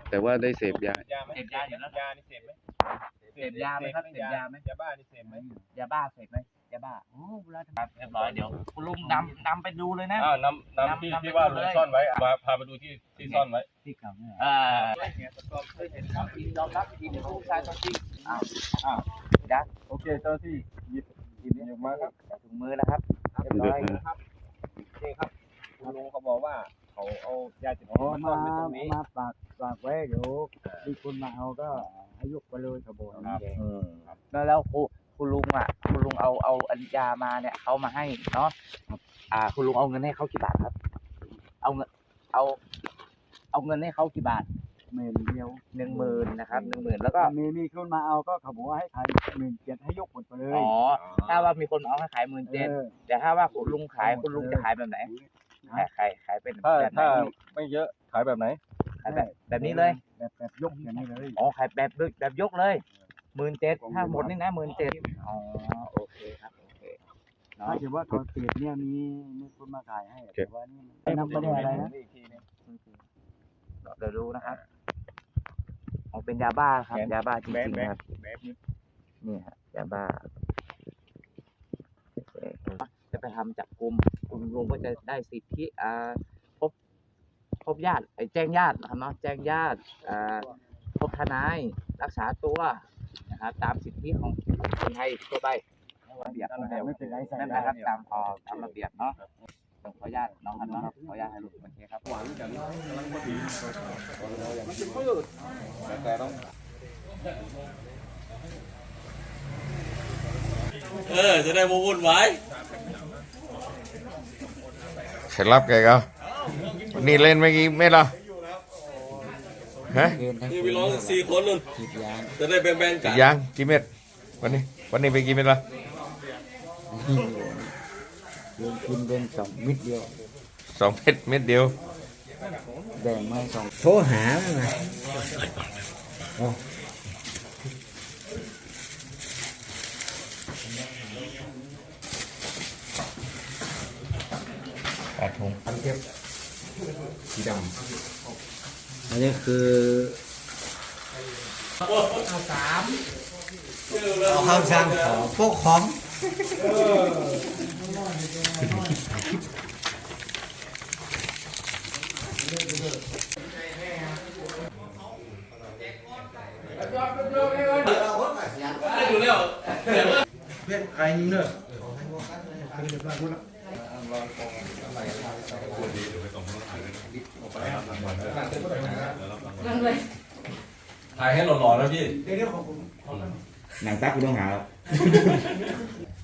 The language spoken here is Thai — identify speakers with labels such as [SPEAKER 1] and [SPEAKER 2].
[SPEAKER 1] แต่ว่าได้เสพยา
[SPEAKER 2] เสพยาอยู่แล้ว
[SPEAKER 3] ยานี่เสพไหม
[SPEAKER 2] เสพยาไหมครับเสพยาไหม
[SPEAKER 3] ยาบ้านี่เสพไหม
[SPEAKER 2] ยาบ้าเสพไหมยาบ้าโอ้เวลาเรียบร้อยเดี๋ยวคุณลุงนำไปดูเลยนะ
[SPEAKER 3] นำที่ว่าลุงซ่อนไว้พาไปดูที่ซ่อนไว้
[SPEAKER 2] ที่เก่าเนี่ยยอมรับทีนี้ผู้ชายตัวจริงได้
[SPEAKER 3] โอเคเจ้าที่หยิบมาครับ
[SPEAKER 2] ถุงมือนะครับเรียบร้อย
[SPEAKER 3] ครับนี่ครับคุณลุงเขาบอกว่าเขาเอายาเสพติดมาซ่อนไว้ตรงนี้
[SPEAKER 4] มาฝากไว้เดี๋ยวมีคนมาเอาก็ให้ยกไปเลยกระบอก
[SPEAKER 2] แล้วคุณลุงเอาอัญญามาเนี่ยเขามาให้เนาะคุณลุงเอาเงินให้เขากี่บาทครับเอาเงินให้เขากี่บาท
[SPEAKER 4] 10,000เดียว
[SPEAKER 2] 10,000นะครับ10,000แล้วก็
[SPEAKER 4] มีคนมาเอาก็เขาบอกว่าให้ขาย17,000ให้ยกหมดไปเลย
[SPEAKER 2] ถ้าว่ามีคนเอาให้ขาย17,000แต่ถ้าว่าคุณลุงขายคุณลุงจะขายแบบไหนขายเป็นแบบไหน
[SPEAKER 3] ถ้าไม่เยอะขายแบบไหน
[SPEAKER 2] ขายแบบนี้เลย
[SPEAKER 4] แบบยกอย่างนี้เลย
[SPEAKER 2] ขายแบบยกเลย17,000ถ้าหมดนี่นะ17,000โอเคครับโอเค
[SPEAKER 4] ถ้าเกิดว่าตอนเปลี่ยนเนี่ยมีคนมาขายให้แต่ว่านี่ไม่นำไปได้อะไรนะ
[SPEAKER 2] เดี๋ยวดูนะครับเป็นยาบ้าครับยาบ้าจริงๆนะครับนี่ฮะยาบ้าจะไปทำจับกุมคุณลุงก็จะได้สิทธิพบญาติแจ้งญาตินะครับเนาะแจ้งญาติพบทนายรักษาตัวนะครับตามสิทธิของคนไทยทั่วไประเบียบ
[SPEAKER 4] ไม่เป็นไร
[SPEAKER 2] นั่นนะครับตามระเบียบเนาะขออนุญาตน้องครับเนาะขออนุญาตให้ลูกมันเทครับ
[SPEAKER 3] หวังกันมันจะมืดแต่ต้อง
[SPEAKER 5] จะได้มาวุ่นวาย
[SPEAKER 1] ใครรับแกก็นี่เล่นเมื่อกี้ไม่หรอฮะ
[SPEAKER 5] นี่ไปร้อง4 คนนู่นจะได้แบ่งกัน
[SPEAKER 1] ยังกี่เม็ดวันนี้ไปกี่เม็ดละ
[SPEAKER 4] กินเป็น2 เม็ดเดียว
[SPEAKER 1] 2 เม็ดเดียว
[SPEAKER 4] แบ่งมา2โทรหาแล้วนะ
[SPEAKER 1] 8 ถุงอันเทียบสีด
[SPEAKER 4] ำอันนี้คือเอาข้าวสารของพวกของ
[SPEAKER 5] อยู่แล้ว
[SPEAKER 4] เพื่อนไอ้นี่เนอะ
[SPEAKER 5] ถ่ายให้หล่อๆนะพี่
[SPEAKER 4] หนังตักกูต้องหา